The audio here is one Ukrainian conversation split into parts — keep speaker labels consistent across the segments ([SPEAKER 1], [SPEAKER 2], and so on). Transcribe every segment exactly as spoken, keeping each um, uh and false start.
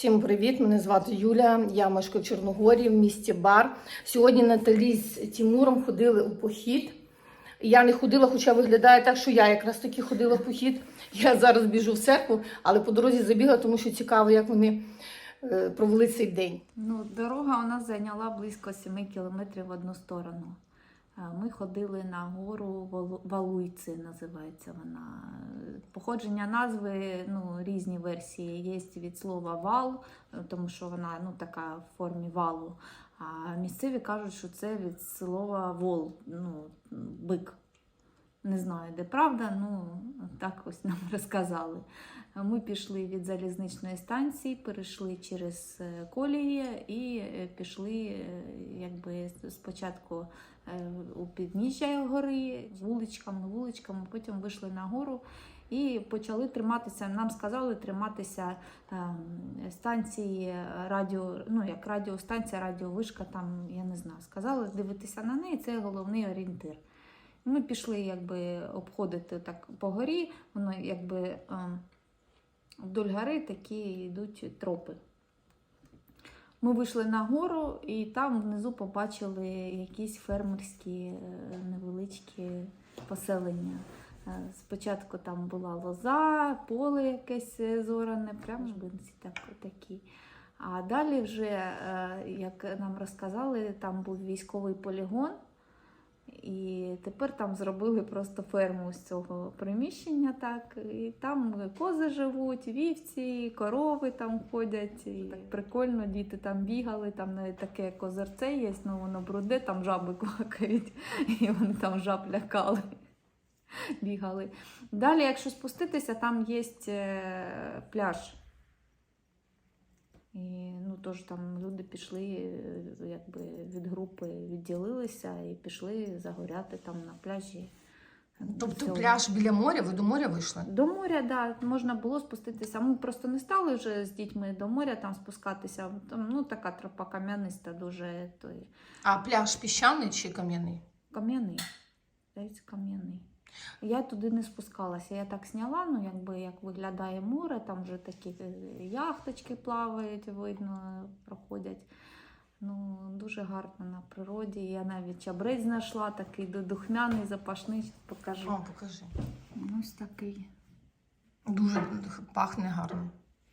[SPEAKER 1] Всім привіт! Мене звати Юля, я мешкаю в Чорногорії, в місті Бар. Сьогодні Наталі з Тимуром ходили у похід. Я не ходила, хоча виглядає так, що я якраз таки ходила в похід. Я зараз біжу в церкву, але по дорозі забігла, тому що цікаво, як вони е, провели цей день.
[SPEAKER 2] Ну, дорога у нас зайняла близько семи кілометрів в одну сторону. Ми ходили на гору Валуйці, називається вона. Походження назви, ну, різні версії. Є від слова вал, тому що вона, ну, така в формі валу. А місцеві кажуть, що це від слова вол, ну, бик. Не знаю, де правда, ну, так ось нам розказали. Ми пішли від залізничної станції, перейшли через колії і пішли, якби, спочатку у підніжжя гори, вуличками, вуличками, потім вийшли на гору і почали триматися, нам сказали триматися станції радіо, ну, як радіостанція, радіовишка, там, я не знаю, сказали дивитися на неї, це головний орієнтир. Ми пішли, якби, обходити так по горі, воно, якби, вдоль гори такі йдуть тропи. Ми вийшли на гору і там внизу побачили якісь фермерські невеличкі поселення. Спочатку там була лоза, поле якесь зоране, прямо жбинці так, такі. А далі вже, як нам розказали, там був військовий полігон. І тепер там зробили просто ферму з цього приміщення, так, і там кози живуть, вівці, корови там ходять, і так прикольно, діти там бігали, там навіть таке козирце є, ну воно бруде, там жаби квакають, і вони там жаб лякали, бігали. Далі, якщо спуститися, там є пляж. І, ну, тож там люди пішли, якби, від групи відділилися і пішли загоряти там на пляжі.
[SPEAKER 1] Тобто пляж біля моря? Ви до моря вийшли?
[SPEAKER 2] До моря, так, да, можна було спуститися. Ми просто не стали вже з дітьми до моря там спускатися. Там, ну, така тропа кам'яниста дуже. Той...
[SPEAKER 1] А пляж піщаний чи кам'яний?
[SPEAKER 2] Кам'яний. Здається, кам'яний. Я туди не спускалася, я так зняла, ну, якби, як виглядає море, там вже такі яхточки плавають, видно, проходять. Ну, дуже гарно на природі. Я навіть чабрець знайшла, такий духмяний, запашний, покажу.
[SPEAKER 1] О, покажи.
[SPEAKER 2] Ось такий.
[SPEAKER 1] Дуже пахне гарно.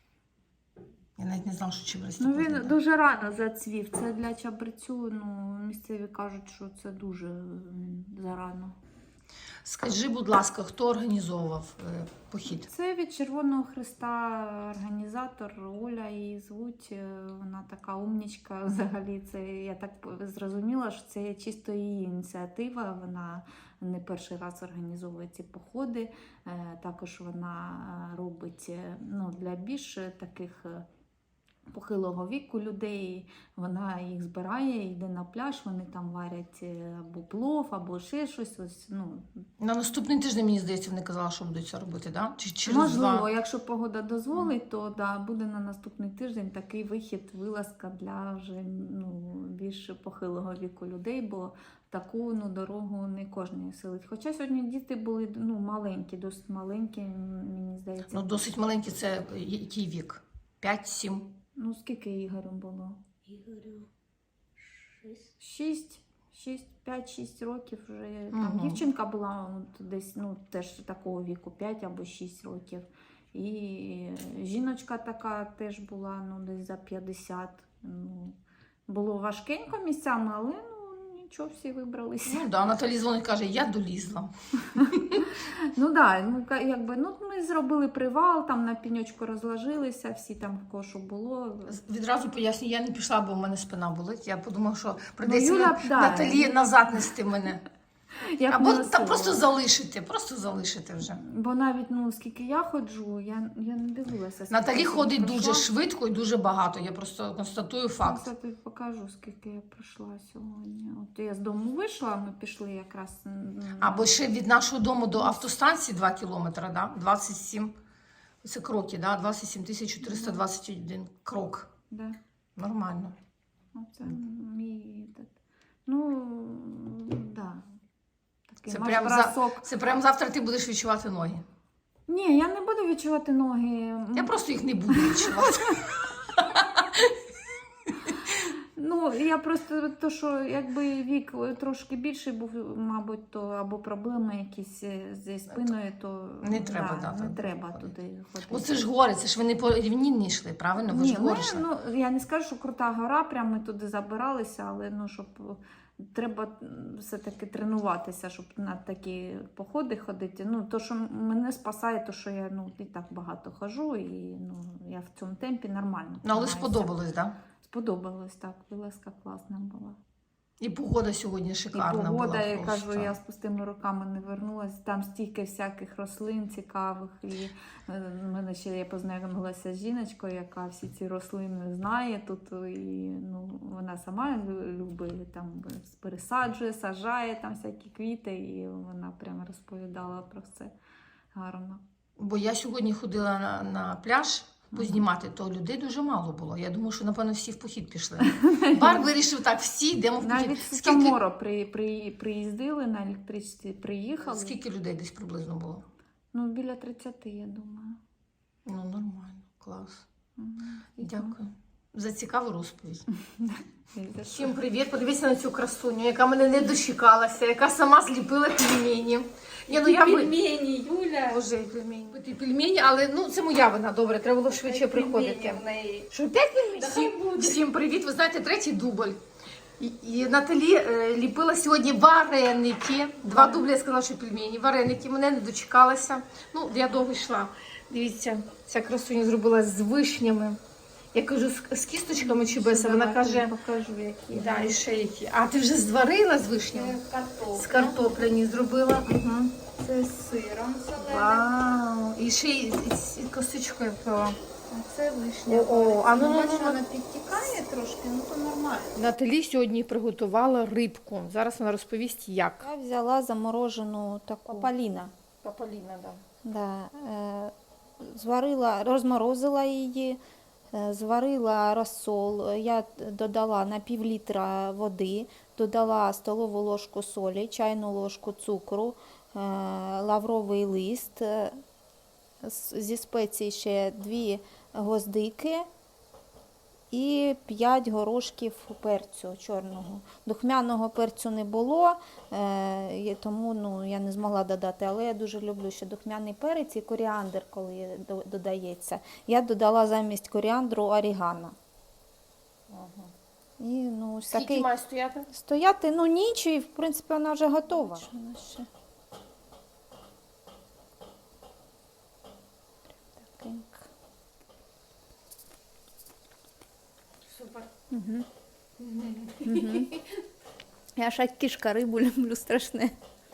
[SPEAKER 1] Я навіть не знала, що чабрець.
[SPEAKER 2] Ну, він так дуже рано зацвів. Це для чабрецю, ну, місцеві кажуть, що це дуже зарано.
[SPEAKER 1] Скажи, будь ласка, хто організовував е, похід?
[SPEAKER 2] Це від Червоного Хреста організатор Оля, її звуть. Вона така умнічка взагалі. Це, я так зрозуміла, що це чисто її ініціатива. Вона не перший раз організовує ці походи. Е, також вона робить, ну, для більш таких похилого віку людей, вона їх збирає, йде на пляж, вони там варять або плов, або ще щось. Ось, ну.
[SPEAKER 1] На наступний тиждень, мені здається, вони казали, що будуть це робити, да? Чи через
[SPEAKER 2] Можливо,
[SPEAKER 1] два?
[SPEAKER 2] якщо погода дозволить, то да, буде на наступний тиждень такий вихід, вилазка для вже, ну, більш похилого віку людей, бо таку, ну, дорогу не кожен силить. Хоча сьогодні діти були, ну, маленькі, досить маленькі, мені здається.
[SPEAKER 1] Ну, досить маленькі, це який вік? п'ять-сім?
[SPEAKER 2] Ну, скільки Ігорю було?
[SPEAKER 3] Ігорю шість.
[SPEAKER 2] Шість. Шість, п'ять-шість років вже.
[SPEAKER 1] Угу.
[SPEAKER 2] Там дівчинка була от, десь, ну, теж такого віку, п'ять або шість років. І жіночка така теж була, ну, десь за п'ятдесят. Ну, було важкенько місцями, але, ну, нічого, всі вибралися.
[SPEAKER 1] Ну, да, Наталі дзвонить, каже, я долізла.
[SPEAKER 2] Ну, да, ну, якби, ну, ми зробили привал, там на піньочку розложилися, всі там в кошу було.
[SPEAKER 1] Відразу поясню, я не пішла, бо в мене спина болить. Я подумала, що прийдеться
[SPEAKER 2] Ну, Юля, да.
[SPEAKER 1] Наталі назад нести мене.
[SPEAKER 2] Як
[SPEAKER 1] Або
[SPEAKER 2] не
[SPEAKER 1] та просто залишити, просто залишити вже.
[SPEAKER 2] Бо навіть, ну, скільки я ходжу, я, я не дивилася.
[SPEAKER 1] Наталі ходить
[SPEAKER 2] пройшла.
[SPEAKER 1] дуже швидко і дуже багато. Я просто констатую факт.
[SPEAKER 2] Я тобі покажу, скільки я пройшла сьогодні. От я з дому вийшла, ми пішли якраз.
[SPEAKER 1] Або ще від нашого дому до автостанції два кілометри, да? двадцять сім. Це кроки, да? двадцять сім тисяч чотириста двадцять один крок.
[SPEAKER 2] Да.
[SPEAKER 1] Нормально.
[SPEAKER 2] Оце мій. Ну, да.
[SPEAKER 1] Це прям, за... Це прям завтра ти будеш відчувати ноги.
[SPEAKER 2] Ні, я не буду відчувати ноги.
[SPEAKER 1] Я просто їх не буду відчувати.
[SPEAKER 2] Я просто то, що якби вік трошки більший був, мабуть, то або проблеми якісь зі спиною, то
[SPEAKER 1] Не треба,
[SPEAKER 2] да,
[SPEAKER 1] да,
[SPEAKER 2] не
[SPEAKER 1] туди
[SPEAKER 2] треба
[SPEAKER 1] ходити.
[SPEAKER 2] туди ходити.
[SPEAKER 1] Бо це ж гори, це ж вони по рівнінні йшли, правильно? Ви
[SPEAKER 2] Ні,
[SPEAKER 1] ж
[SPEAKER 2] ми,
[SPEAKER 1] гори йшли.
[SPEAKER 2] ну, я не скажу, що крута гора, прямо ми туди забиралися, але ну, щоб треба все-таки тренуватися, щоб на такі походи ходити. Ну, то, що мене спасає, то, що я ну, і так багато хожу, і ну, я в цьому темпі нормально.
[SPEAKER 1] Ну, але
[SPEAKER 2] тримаюся.
[SPEAKER 1] сподобалось, так? Да?
[SPEAKER 2] Сподобалось, так. Вилазка класна була.
[SPEAKER 1] І погода сьогодні шикарна
[SPEAKER 2] І погода,
[SPEAKER 1] була.
[SPEAKER 2] я
[SPEAKER 1] просто.
[SPEAKER 2] кажу, я з пустими руками не вернулася. Там стільки всяких рослин цікавих. І е, в мене ще я познайомилася з жіночкою, яка всі ці рослини знає тут. І ну, вона сама лю- любить, там пересаджує, саджає там всякі квіти, і вона прямо розповідала про все гарно.
[SPEAKER 1] Бо я сьогодні ходила на, на пляж познімати, то людей дуже мало було. Я думаю, що, напевно, всі в похід пішли. Бар вирішив так, всі йдемо в похід.
[SPEAKER 2] Навіть з
[SPEAKER 1] Скільки,
[SPEAKER 2] Саморо при, при, приїздили, на електричці приїхали.
[SPEAKER 1] скільки людей десь приблизно було?
[SPEAKER 2] Ну, біля тридцяти, я думаю.
[SPEAKER 1] Ну, нормально, клас.
[SPEAKER 2] Мгм.
[SPEAKER 1] Дякую за цікаву розповідь.
[SPEAKER 2] І за що?
[SPEAKER 1] Всім привіт! Подивіться на цю красуню, яка мене не дочекалася, яка сама зліпила пельмені. Ні, ну я ви-
[SPEAKER 3] Пельмені, Юля.
[SPEAKER 1] Боже, пельмені. Ті пельмені, але ну це моя вина, добре, треба було швидше приходити.
[SPEAKER 3] в неї.
[SPEAKER 1] Що п'ять пельменей? Всім, всім привіт! Ви знаєте, третій дубль. І, і Наталі е, ліпила сьогодні вареники. Два дублі я сказала, що пельмені. Вареники, мене не дочекалася. Ну, я довго йшла. Дивіться, ця красуня зробила з вишнями. Я кажу, з, з кісточками чи без, а вона
[SPEAKER 2] Давайте
[SPEAKER 1] каже,
[SPEAKER 2] покажу, які.
[SPEAKER 1] да, і ще які. А ти вже зварила з вишнями?
[SPEAKER 3] Це картопля.
[SPEAKER 1] З картопляні зробила. Угу.
[SPEAKER 3] Це з сиром соленим.
[SPEAKER 1] Вау! І ще й з, з, з косточкою пила.
[SPEAKER 3] А це вишня.
[SPEAKER 1] О, о, а ну, ну,
[SPEAKER 3] Бачу,
[SPEAKER 1] ну, ну.
[SPEAKER 3] вона підтікає трошки, ну то нормально.
[SPEAKER 1] Наталі сьогодні приготувала рибку. Зараз вона розповість, як.
[SPEAKER 2] Я взяла заморожену таку папаліна.
[SPEAKER 1] Папаліна, да.
[SPEAKER 2] Да, е, зварила, розморозила її, е, зварила розсол. Я додала на пів літра води, додала столову ложку солі, чайну ложку цукру, е, лавровий лист, е, з- зі спецій ще дві гвоздики і п'ять горошків перцю чорного. Духмяного перцю не було, е, і тому ну, я не змогла додати, але я дуже люблю ще духмяний перець і коріандр, коли до- додається. Я додала замість коріандру орігано.
[SPEAKER 1] Ага.
[SPEAKER 2] І, ну, ось
[SPEAKER 1] Скільки
[SPEAKER 2] такий
[SPEAKER 1] має стояти?
[SPEAKER 2] стояти ну, ніч, і в принципі вона вже готова. Вона ще такенька.
[SPEAKER 1] Супер.
[SPEAKER 2] Угу. Угу. Я ж як кішка рибу люблю страшне.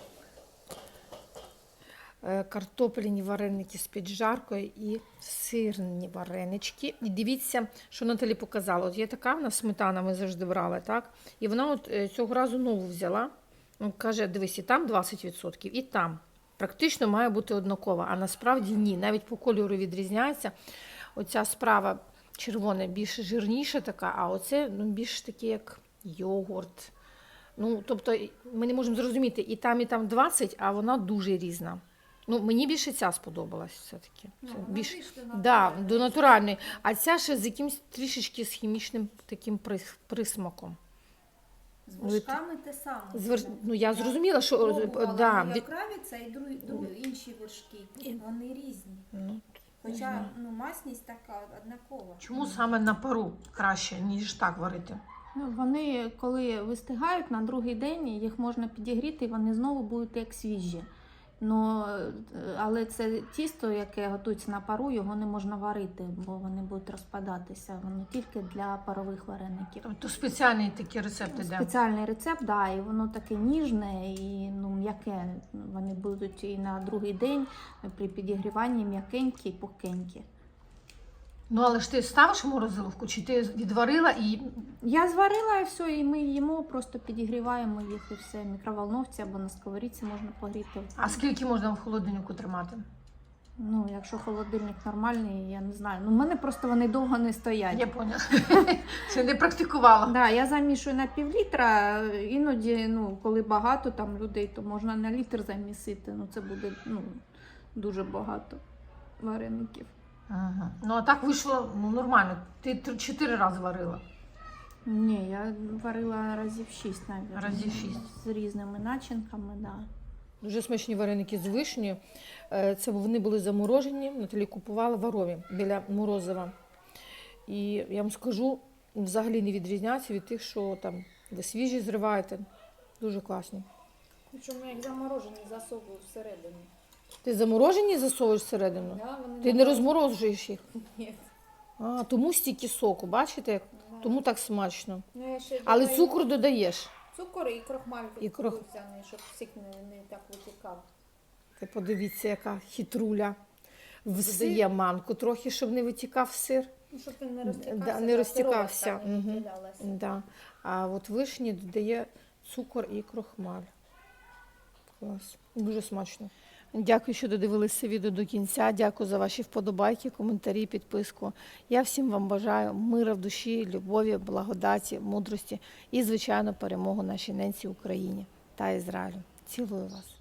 [SPEAKER 1] Е, Картопляні вареники з піджаркою і сирні варенички. І дивіться, що Наталі показала. От є така в нас сметана, ми завжди брали, так? І вона от е, цього разу нову взяла. Ну, каже, дивись, і там двадцять відсотків, і там. Практично має бути однакова, а насправді ні. Навіть по кольору відрізняється. Оця справа червона більш жирніша така, а оце ну, більш таке, як йогурт. Ну, тобто ми не можемо зрозуміти, і там, і там двадцять, а вона дуже різна. Ну, мені більше ця сподобалась все-таки. Це більш... Да, до натуральної. А ця ще з якимось трішечки з хімічним таким прис- присмаком.
[SPEAKER 3] З
[SPEAKER 1] Ви-
[SPEAKER 3] вершками те саме.
[SPEAKER 1] З верш- Ну, я зрозуміла, що...
[SPEAKER 3] Пробувала
[SPEAKER 1] Да,
[SPEAKER 3] Юля
[SPEAKER 1] від-
[SPEAKER 3] Кравіця і другі, другі, інші вершки. Вони різні.
[SPEAKER 1] Ну,
[SPEAKER 3] Хоча ну, масність така однакова.
[SPEAKER 1] чому саме на пару краще, ніж так варити?
[SPEAKER 2] Ну, вони, коли вистигають на другий день, їх можна підігріти, і вони знову будуть як свіжі. Ну, е, але це тісто, яке готується на пару, його не можна варити, бо вони будуть розпадатися. Воно тільки для парових вареників.
[SPEAKER 1] Тобто спеціальний такий рецепт іде.
[SPEAKER 2] Спеціальний рецепт, да, і воно таке ніжне і ну, м'яке. Вони будуть і на другий день при підігріванні м'якенькі і пухкенькі.
[SPEAKER 1] Ну, але ж ти ставиш в морозиловку, чи ти відварила і...
[SPEAKER 2] Я зварила і все, і ми їмо, просто підігріваємо їх і все. В мікроволновці або на сковорідці можна погріти.
[SPEAKER 1] А скільки можна в холодильнику тримати?
[SPEAKER 2] Ну, якщо холодильник нормальний, я не знаю. Ну, в мене просто вони довго не стоять.
[SPEAKER 1] Я поняла. Це не практикувала.
[SPEAKER 2] Да, я замішую на пів літра, іноді, ну, коли багато там людей, то можна на літр замісити. Ну, це буде ну, дуже багато вареників.
[SPEAKER 1] Ага. Ну, а так вийшло ну, нормально. Ти три- чотири рази варила.
[SPEAKER 2] Ні, я варила разів шість навіть.
[SPEAKER 1] Разів шість.
[SPEAKER 2] З різними начинками, да.
[SPEAKER 1] Дуже смачні вареники з вишнею. Е, Це вони були заморожені, Наталі купувала в Арові біля Морозова. І я вам скажу, взагалі не відрізняться від тих, що там ви свіжі зриваєте. Дуже класні.
[SPEAKER 3] Причому як заморожені засовую всередину.
[SPEAKER 1] Ти заморожені засовуєш всередину?
[SPEAKER 3] Да, вони
[SPEAKER 1] Ти не розморожуєш їх?
[SPEAKER 3] Ні.
[SPEAKER 1] А, тому стільки соку, бачите? як?
[SPEAKER 3] Да.
[SPEAKER 1] Тому так смачно.
[SPEAKER 3] Ну, я ще
[SPEAKER 1] Але
[SPEAKER 3] додаю
[SPEAKER 1] цукор додаєш.
[SPEAKER 3] Цукор і крохмаль
[SPEAKER 1] І крох-
[SPEAKER 3] кукурудзяний, щоб сік не, не так витікав.
[SPEAKER 1] Ти подивіться, яка хитруля. Додає манку трохи, щоб не витікав сир.
[SPEAKER 3] Ну, щоб він не розтікався.
[SPEAKER 1] Да, не
[SPEAKER 3] та
[SPEAKER 1] розтікався.
[SPEAKER 3] сироватка не
[SPEAKER 1] Мгм.
[SPEAKER 3] відділялася.
[SPEAKER 1] Да. А от вишні додає цукор і крохмаль. Клас. Дуже смачно. Дякую, що додивилися відео до кінця. Дякую за ваші вподобайки, коментарі, підписку. Я всім вам бажаю мира в душі, любові, благодаті, мудрості і, звичайно, перемогу нашій ненці Україні та Ізраїлю. Цілую вас.